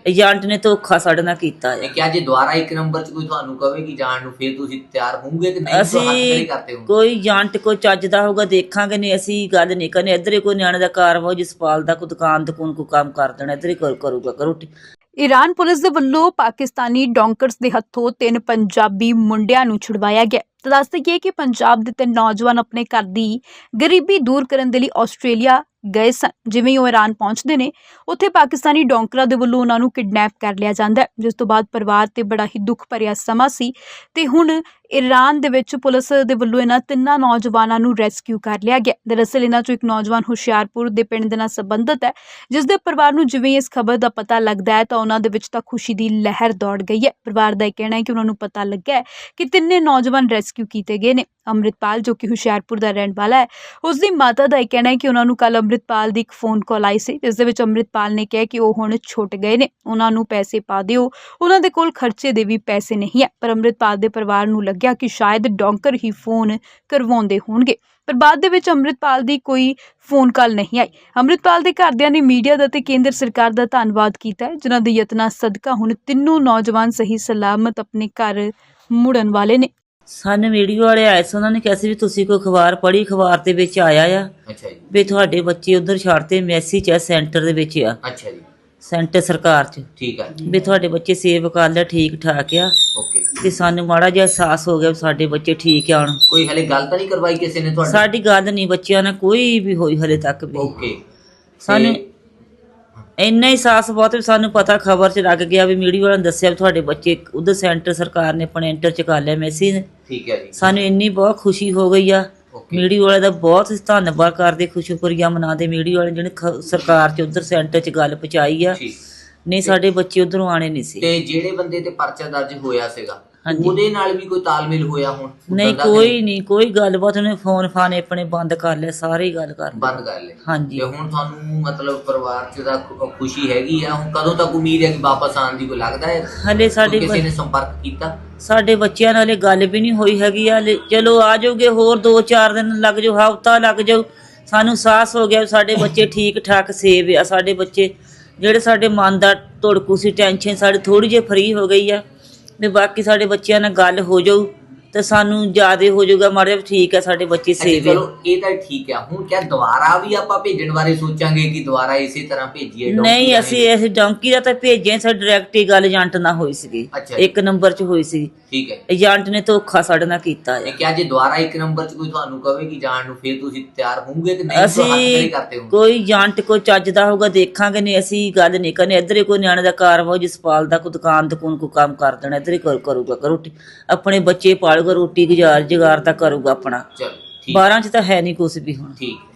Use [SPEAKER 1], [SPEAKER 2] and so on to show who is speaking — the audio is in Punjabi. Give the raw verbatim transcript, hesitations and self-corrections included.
[SPEAKER 1] ਏਜੰਟ ने धोखा साडे नाल कीता है।
[SPEAKER 2] क्या जे दोबारा एक नंबर च कोई तुहानू कहे कि जाण नू फिर तुसीं तैयार होवोगे कि नहीं?
[SPEAKER 1] ਅਸੀਂ
[SPEAKER 2] हत्थ खड़े करते हो?
[SPEAKER 1] ਕੋਈ ਏਜੰਟ ਕੋਈ ਚੱਜਦਾ ਹੋਊਗਾ ਦੇਖਾਂਗੇ, ਨਹੀਂ ਅਸੀਂ ਗੱਲ ਨਹੀਂ ਕਰਨੀ। ਇੱਧਰ ਹੀ ਕੋਈ ਨਿਆਣੇ ਦਾ ਕਾਰਵਾ ਜਸਪਾਲ ਦਾ ਕੋਈ ਦੁਕਾਨ ਦਕੂਨ ਕੋਈ ਕੰਮ ਕਰ ਦੇਣਾ, ਇੱਧਰ ਹੀ ਕਰ- ਕਰੂਗਾ ਕਰੋਟੀ।
[SPEAKER 3] ਈਰਾਨ ਪੁਲਿਸ ਦੇ ਵੱਲੋਂ ਪਾਕਿਸਤਾਨੀ ਡੌਂਕਰਸ ਦੇ ਹੱਥੋਂ ਤਿੰਨ ਪੰਜਾਬੀ ਮੁੰਡਿਆਂ ਨੂੰ ਛੁਡਵਾਇਆ ਗਿਆ। ਤਾਂ ਦੱਸ ਦੇਈਏ ਕਿ ਪੰਜਾਬ ਦੇ ਤਿੰਨ ਨੌਜਵਾਨ ਆਪਣੇ ਘਰ ਦੀ ਗਰੀਬੀ ਦੂਰ ਕਰਨ ਦੇ ਲਈ ਆਸਟ੍ਰੇਲੀਆ ਗਏ ਸਨ। ਜਿਵੇਂ ਹੀ ਉਹ ਈਰਾਨ ਪਹੁੰਚਦੇ ਨੇ, ਉੱਥੇ ਪਾਕਿਸਤਾਨੀ ਡੌਂਕਰਾਂ ਦੇ ਵੱਲੋਂ ਉਹਨਾਂ ਨੂੰ ਕਿਡਨੈਪ ਕਰ ਲਿਆ ਜਾਂਦਾ ਹੈ, ਜਿਸ ਤੋਂ ਬਾਅਦ ਪਰਿਵਾਰ ਤੇ ਬੜਾ ਹੀ ਦੁੱਖ ਭਰਿਆ ਸਮਾਂ ਸੀ। ਤੇ ਹੁਣ ਈਰਾਨ ਦੇ ਵਿੱਚ ਪੁਲਿਸ ਦੇ ਵੱਲੋਂ ਇਹਨਾਂ ਤਿੰਨਾਂ ਨੌਜਵਾਨਾਂ ਨੂੰ ਰੈਸਕਿਊ ਕਰ ਲਿਆ ਗਿਆ। ਦਰਅਸਲ ਇਹਨਾਂ ਚੋਂ ਇੱਕ ਨੌਜਵਾਨ ਹੁਸ਼ਿਆਰਪੁਰ ਦੇ ਪਿੰਡ ਦੇ ਨਾਲ ਸੰਬੰਧਿਤ ਹੈ, ਜਿਸ ਦੇ ਪਰਿਵਾਰ ਨੂੰ ਜਿਵੇਂ ਇਸ ਖਬਰ ਦਾ ਪਤਾ ਲੱਗਦਾ ਹੈ ਤਾਂ ਉਹਨਾਂ ਦੇ ਵਿੱਚ ਤਾਂ ਖੁਸ਼ੀ ਦੀ ਲਹਿਰ ਦੌੜ ਗਈ ਹੈ। ਪਰਿਵਾਰ ਦਾ ਇਹ ਕਹਿਣਾ ਹੈ ਕਿ ਉਹਨਾਂ ਨੂੰ ਪਤਾ ਲੱਗਾ ਹੈ ਕਿ ਤਿੰਨੇ ਨੌਜਵਾਨ ਰੈਸਕਿਊ ਕੀਤੇ ਗਏ ਨੇ। ਅੰਮ੍ਰਿਤਪਾਲ ਜੋ ਕਿ ਹੁਸ਼ਿਆਰਪੁਰ ਦਾ ਰਹਿਣ ਵਾਲਾ ਹੈ, ਉਸ ਦੀ ਮਾਤਾ ਦਾ ਇਹ ਕਹਿਣਾ ਹੈ ਕਿ ਉਹਨਾਂ ਨੂੰ ਕੱਲ੍ਹ ਅੰਮ੍ਰਿਤਪਾਲ ਦੀ ਇੱਕ ਫੋਨ ਕਾਲ ਆਈ ਸੀ, ਜਿਸ ਦੇ ਵਿੱਚ ਅੰਮ੍ਰਿਤਪਾਲ ਨੇ ਕਿਹਾ ਕਿ ਉਹ ਹੁਣ ਛੁੱਟ ਗਏ ਨੇ, ਉਹਨਾਂ ਨੂੰ ਪੈਸੇ ਪਾ ਦਿਓ, ਉਹਨਾਂ ਦੇ ਕੋਲ ਖਰਚੇ ਦੇ ਵੀ ਪੈਸੇ ਨਹੀਂ ਹੈ। ਪਰ ਅੰਮ੍ਰਿਤਪਾਲ ਦੇ ਪਰਿਵਾਰ ਨੂੰ ਲੱਗਿਆ ਕਿ ਸ਼ਾਇਦ ਡੌਂਕਰ ਹੀ ਫੋਨ ਕਰਵਾਉਂਦੇ ਹੋਣਗੇ, ਪਰ ਬਾਅਦ ਦੇ ਵਿੱਚ ਅੰਮ੍ਰਿਤਪਾਲ ਦੀ ਕੋਈ ਫੋਨ ਕਾਲ ਨਹੀਂ ਆਈ। ਅੰਮ੍ਰਿਤਪਾਲ ਦੇ ਘਰਦਿਆਂ ਨੇ ਮੀਡੀਆ ਦਾ ਤੇ ਕੇਂਦਰ ਸਰਕਾਰ ਦਾ ਧੰਨਵਾਦ ਕੀਤਾ ਹੈ, ਜਿਨ੍ਹਾਂ ਦੇ ਯਤਨਾਂ ਸਦਕਾ ਹੁਣ ਤਿੰਨੋਂ ਨੌਜਵਾਨ ਸਹੀ ਸਲਾਮਤ ਆਪਣੇ ਘਰ ਮੁੜਨ ਵਾਲੇ ਨੇ।
[SPEAKER 1] ਸਾਨੂੰ ਵੀਡੀਓ ਵਾਲੇ ਆਏ ਸੀ, ਉਹਨਾਂ ਨੇ ਕਿਹਾ ਸੀ ਵੀ ਤੁਸੀਂ ਕੋਈ ਅਖਬਾਰ ਪੜ੍ਹੀ, ਅਖਬਾਰ ਦੇ ਵਿੱਚ ਆਇਆ ਆ
[SPEAKER 2] ਅੱਛਾ ਜੀ
[SPEAKER 1] ਵੀ ਤੁਹਾਡੇ ਬੱਚੇ ਉੱਧਰ ਛੱਡਤੇ, ਮੈਸੇਜ ਆ ਸੈਂਟਰ ਦੇ ਵਿੱਚ ਆ,
[SPEAKER 2] ਅੱਛਾ ਜੀ
[SPEAKER 1] ਸੈਂਟਰ ਸਰਕਾਰ 'ਚ
[SPEAKER 2] ਠੀਕ ਹੈ
[SPEAKER 1] ਵੀ ਤੁਹਾਡੇ ਬੱਚੇ ਸੇਵ ਕਰ ਲਿਆ, ਠੀਕ ਠਾਕ ਆ।
[SPEAKER 2] ਓਕੇ
[SPEAKER 1] ਤੇ ਸਾਨੂੰ ਮਾੜਾ ਜਿਹਾ ਅਹਿਸਾਸ ਹੋ ਗਿਆ ਵੀ ਸਾਡੇ ਬੱਚੇ ਠੀਕ ਆ। ਹੁਣ
[SPEAKER 2] ਕੋਈ ਹਲੇ ਗੱਲ ਤਾਂ ਨਹੀਂ ਕਰਵਾਈ ਕਿਸੇ ਨੇ ਤੁਹਾਡੇ?
[SPEAKER 1] ਸਾਡੀ ਗੱਲ ਨਹੀਂ ਬੱਚਿਆਂ ਨਾਲ ਕੋਈ ਵੀ ਹੋਈ ਹਲੇ ਤੱਕ ਵੀ।
[SPEAKER 2] ਓਕੇ
[SPEAKER 1] ਸਾਨੂੰ ਇੰਨਾ ਹੀ ਅਹਿਸਾਸ ਬਹੁਤ ਵੀ ਸਾਨੂੰ ਪਤਾ ਖਬਰ 'ਚ ਲੱਗ ਗਿਆ ਵੀ ਮੀਡੀਆ ਵਾਲਿਆਂ ਨੇ ਦੱਸਿਆ ਵੀ ਤੁਹਾਡੇ ਬੱਚੇ ਉਧਰ ਸੈਂਟਰ ਸਰਕਾਰ ਨੇ ਆਪਣੇ ਐਂਟਰ 'ਚ ਕਰ ਲਿਆ ਮੈਸੇਜ।
[SPEAKER 2] ਠੀਕ ਹੈ ਜੀ।
[SPEAKER 1] ਸਾਨੂੰ ਇੰਨੀ ਬਹੁਤ ਖੁਸ਼ੀ ਹੋ ਗਈ ਆ। ਮੀਡੀਆ ਵਾਲੇ ਦਾ ਬਹੁਤ ਧੰਨਵਾਦ ਕਰਦੇ, ਖੁਸ਼ਕਰੀਆ ਮਨਾਉਂਦੇ ਮੀਡੀਆ ਵਾਲੇ ਜਿਹਨੇ ਖ- ਸਰਕਾਰ 'ਚ ਉਧਰ ਸੈਂਟਰ 'ਚ ਗੱਲ ਪਹੁੰਚਾਈ ਆ। ਨਹੀਂ ਸਾਡੇ ਬੱਚੇ ਉਧਰੋਂ ਆਣੇ ਨਹੀਂ ਸੀ।
[SPEAKER 2] ਤੇ ਜਿਹੜੇ ਬੰਦੇ ਤੇ ਪਰਚਾ ਦਰਜ ਹੋਇਆ ਸੀਗਾ
[SPEAKER 1] ਹਾਂਜੀ।
[SPEAKER 2] ਉਹਦੇ ਨਾਲ ਵੀ ਕੋਈ ਤਾਲਮੇਲ ਹੋਇਆ? ਹੁਣ
[SPEAKER 1] ਨਹੀਂ ਕੋਈ ਨਹੀਂ, ਕੋਈ ਗੱਲਬਾਤ। ਉਹਨੇ ਫੋਨ ਫਾਨ ਆਪਣੇ ਬੰਦ ਕਰ ਲਿਆ, ਸਾਰੇ ਹੀ ਗੱਲ ਕਰ
[SPEAKER 2] ਬੰਦ ਕਰ ਲਏ।
[SPEAKER 1] ਹਾਂਜੀ।
[SPEAKER 2] ਤੇ ਹੁਣ ਤੁਹਾਨੂੰ ਮਤਲਬ ਪਰਿਵਾਰ 'ਚ ਦਾ ਖੁ- ਖੁਸ਼ੀ ਹੈਗੀ ਆ? ਹੁਣ ਕਦੋਂ ਤੱਕ ਉਮੀਦ ਹੈ ਕਿ ਵਾਪਸ ਆਉਣ ਦੀ? ਕੋਈ ਲੱਗਦਾ ਹੈ
[SPEAKER 1] ਹਲੇ ਸਾਡੇ
[SPEAKER 2] ਕੋਈ ਕਿਸੇ ਨੇ ਸੰਪਰਕ ਕੀਤਾ?
[SPEAKER 1] ਸਾਡੇ ਬੱਚਿਆਂ ਨਾਲ ਹਲੇ ਗੱਲ ਵੀ ਨਹੀਂ ਹੋਈ ਹੈਗੀ ਆ। ਹਲੇ ਚਲੋ ਆ ਜਾਓਗੇ, ਹੋਰ ਦੋ ਚਾਰ ਦਿਨ ਲੱਗ ਜਾਓ, ਹਫ਼ਤਾ ਲੱਗ ਜਾਓ। ਸਾਨੂੰ ਸਾਹਸ ਹੋ ਗਿਆ ਵੀ ਸਾਡੇ ਬੱਚੇ ਠੀਕ ਠਾਕ ਸੇਵ ਆ। ਸਾਡੇ ਬੱਚੇ ਜਿਹੜੇ ਸਾਡੇ ਮਨ ਦਾ ਧੜਕੂ ਸੀ, ਟੈਨਸ਼ਨ ਸਾਡੀ ਥੋੜ੍ਹੀ ਜਿਹੀ ਫਰੀ ਹੋ ਗਈ ਆ ਵੀ ਬਾਕੀ ਸਾਡੇ ਬੱਚਿਆਂ ਨਾਲ ਗੱਲ ਹੋ ਜਾਊ ਤੇ ਸਾਨੂੰ ਜ਼ਿਆਦਾ ਹੋ ਜਾਊਗਾ ਮਾੜਾ ਜਿਹਾ, ਠੀਕ ਹੈ ਸਾਡੇ ਬੱਚੇ ਸੇਵ ਆ।
[SPEAKER 2] ਚਲੋ ਇਹ ਤਾਂ ਠੀਕ ਆ। ਹੁਣ ਕਿਆ ਦੁਬਾਰਾ ਵੀ ਆਪਾਂ ਭੇਜਣ ਬਾਰੇ ਸੋਚਾਂਗੇ ਕਿ ਦੁਬਾਰਾ ਇਸੇ ਤਰ੍ਹਾਂ ਭੇਜੀਏ?
[SPEAKER 1] ਨਹੀਂ, ਅਸੀਂ ਇਸ ਡੌਂਕੀ ਦਾ ਤਾਂ ਭੇਜਿਆ, ਸਾਡੀ ਡਾਇਰੈਕਟ ਹੀ ਗੱਲ ਏਜੰਟ ਨਾਲ ਹੋਈ ਸੀਗੀ, ਇੱਕ ਨੰਬਰ 'ਚ ਹੋਈ ਸੀ।
[SPEAKER 2] ਠੀਕ ਹੈ।
[SPEAKER 1] ਏਜੰਟ ਨੇ ਧੋਖਾ ਸਾਡੇ ਨਾਲ ਕੀਤਾ ਹੈ।
[SPEAKER 2] ਕਿਆ ਜੇ ਦੁਬਾਰਾ ਇੱਕ ਨੰਬਰ 'ਚ ਕੋਈ ਤੁਹਾਨੂੰ ਕਹੇ ਕਿ ਜਾਣ ਨੂੰ ਫਿਰ ਤੁਸੀਂ ਤਿਆਰ ਹੋਵੋਗੇ ਕਿ ਨਹੀਂ? ਹੱਥ ਖੜੇ
[SPEAKER 1] ਅਸੀਂ
[SPEAKER 2] ਕਰਦੇ ਹੋ?
[SPEAKER 1] ਕੋਈ ਏਜੰਟ ਕੋਈ ਚੱਜਦਾ ਹੋਊਗਾ ਦੇਖਾਂਗੇ, ਨਹੀਂ ਅਸੀਂ ਗੱਲ ਨਹੀਂ ਕਰਨੀ। ਇੱਧਰ ਹੀ ਕੋਈ ਨਿਆਣੇ ਦਾ ਕਾਰਵਾ ਜਸਪਾਲ ਦਾ ਕੋਈ ਦੁਕਾਨ ਦਕੂਨ ਕੋਈ ਕੰਮ ਕਰ ਦੇਣਾ, ਇੱਧਰ ਹੀ ਕਰ- ਕਰੂਗਾ ਕਰੋਟੀ। ਆਪਣੇ ਬੱਚੇ ਪਾਲੂਗਾ, ਰੋਟੀ ਗੁਜ਼ਾਰ ਜੁਗਾਰ ਤਾਂ ਕਰੂਗਾ ਆਪਣਾ।
[SPEAKER 2] ਚਲੋ ਠੀਕ।
[SPEAKER 1] ਬਾਰਾਂ 'ਚ ਤਾਂ ਹੈ ਨਹੀਂ ਕੁਛ ਵੀ ਹੁਣ।
[SPEAKER 2] ਠੀਕ।